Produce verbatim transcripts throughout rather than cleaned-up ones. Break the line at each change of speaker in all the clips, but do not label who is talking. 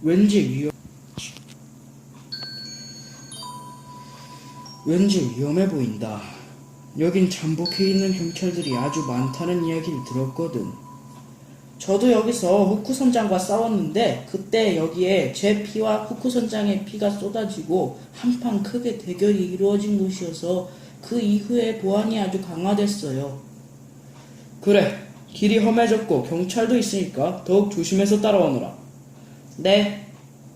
왠지 위험, 왠지 위험해 보인다. 여긴 잠복해 있는 경찰들이 아주 많다는 이야기를 들었거든. 저도 여기서 후쿠 선장과 싸웠는데 그때 여기에 제 피와 후쿠 선장의 피가 쏟아지고 한판 크게 대결이 이루어진 곳이어서 그 이후에 보안이 아주 강화됐어요. 그래, 길이 험해졌고 경찰도 있으니까 더욱 조심해서 따라오너라. 네.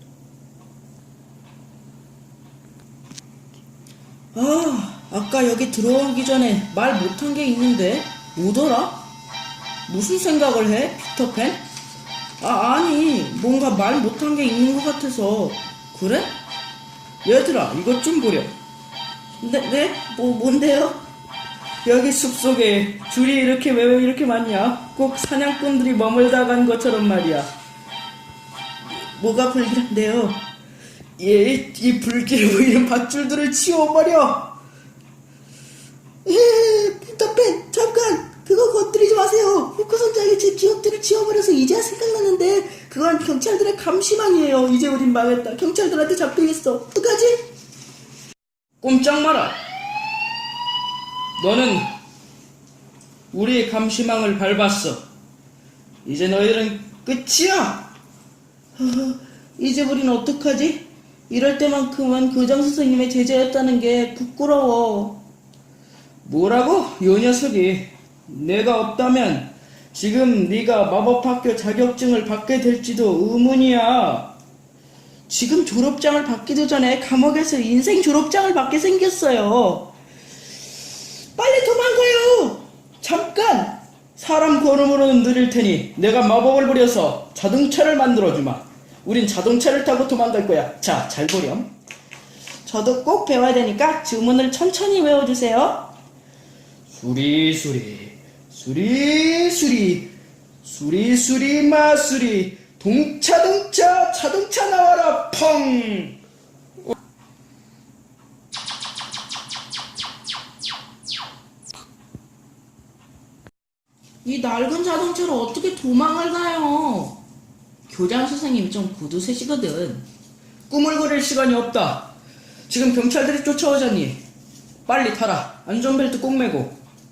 아, 아까 여기 들어오기 전에 말 못한 게 있는데 뭐더라? 무슨 생각을 해, 피터팬? 아, 아니, 뭔가 말 못한 게 있는 것 같아서. 그래? 얘들아, 이것 좀 보렴. 네, 네? 뭐, 뭔데요? 여기 숲속에 줄이 이렇게 왜 이렇게 많냐? 꼭 사냥꾼들이 머물다 간 것처럼 말이야. 뭐가 불길한데요? 예, 이 불길해 보이는 밧줄들을 치워버려!
예, 피터팬, 잠깐! 그거 건드리지 마세요. 후쿠 선장이 제 기억들을 지워버려서 이제야 생각나는데 그건 경찰들의 감시망이에요. 이제 우린 망했다. 경찰들한테 잡히겠어. 어떡하지?
꼼짝 마라! 너는 우리의 감시망을 밟았어. 이제 너희들은 끝이야!
어, 이제 우린 어떡하지? 이럴 때만큼은 교장 선생님의 제자였다는 게 부끄러워.
뭐라고? 요 녀석이 내가 없다면 지금 네가 마법학교 자격증을 받게 될지도 의문이야.
지금 졸업장을 받기도 전에 감옥에서 인생 졸업장을 받게 생겼어요. 빨리 도망가요.
잠깐! 사람 걸음으로는 느릴 테니 내가 마법을 부려서 자동차를 만들어주마. 우린 자동차를 타고 도망갈 거야. 자, 잘 보렴.
저도 꼭 배워야 되니까 주문을 천천히 외워주세요.
수리수리 수리수리 수리수리 마수리 동차동차 자동차 나와라 펑.
이 낡은 자동차로 어떻게 도망을 가요? 교장 선생님이 좀 구두쇠시거든.
꿈을 꾸릴 시간이 없다. 지금 경찰들이 쫓아오자니 빨리 타라. 안전벨트 꼭 매고.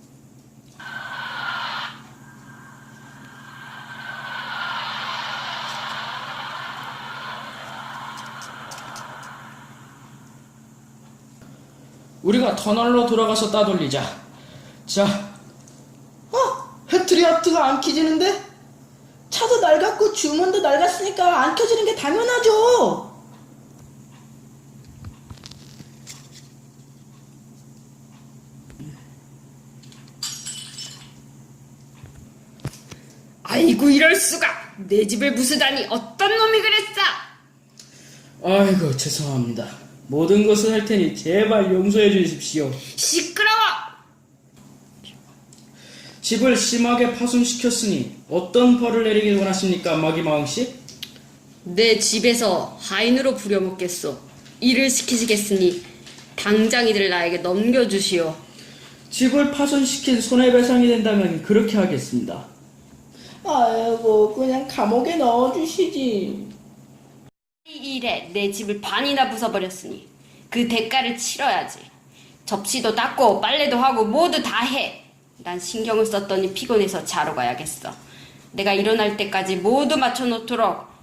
우리가 터널로 돌아가서 따돌리자. 자,
어?
헤트리아트가 안 켜지는데?
차도 낡았고 주문도 낡았으니까 안 켜지는 게 당연하죠.
아이고 이럴 수가. 내 집을 부수다니 어떤 놈이 그랬어.
아이고 죄송합니다. 모든 것을 할 테니 제발 용서해 주십시오.
시끄러워.
집을 심하게 파손시켰으니 어떤 벌을 내리길 원하십니까, 마기마왕씨?
내 집에서 하인으로 부려먹겠소. 일을 시키시겠으니 당장 이들 나에게 넘겨주시오.
집을 파손시킨 손해배상이 된다면 그렇게 하겠습니다.
아이고 그냥 감옥에 넣어주시지.
이 일에 내 집을 반이나 부숴버렸으니 그 대가를 치러야지. 접시도 닦고 빨래도 하고 모두 다 해. 난 신경을 썼더니 피곤해서 자러 가야겠어. 내가 일어날 때까지 모두 맞춰놓도록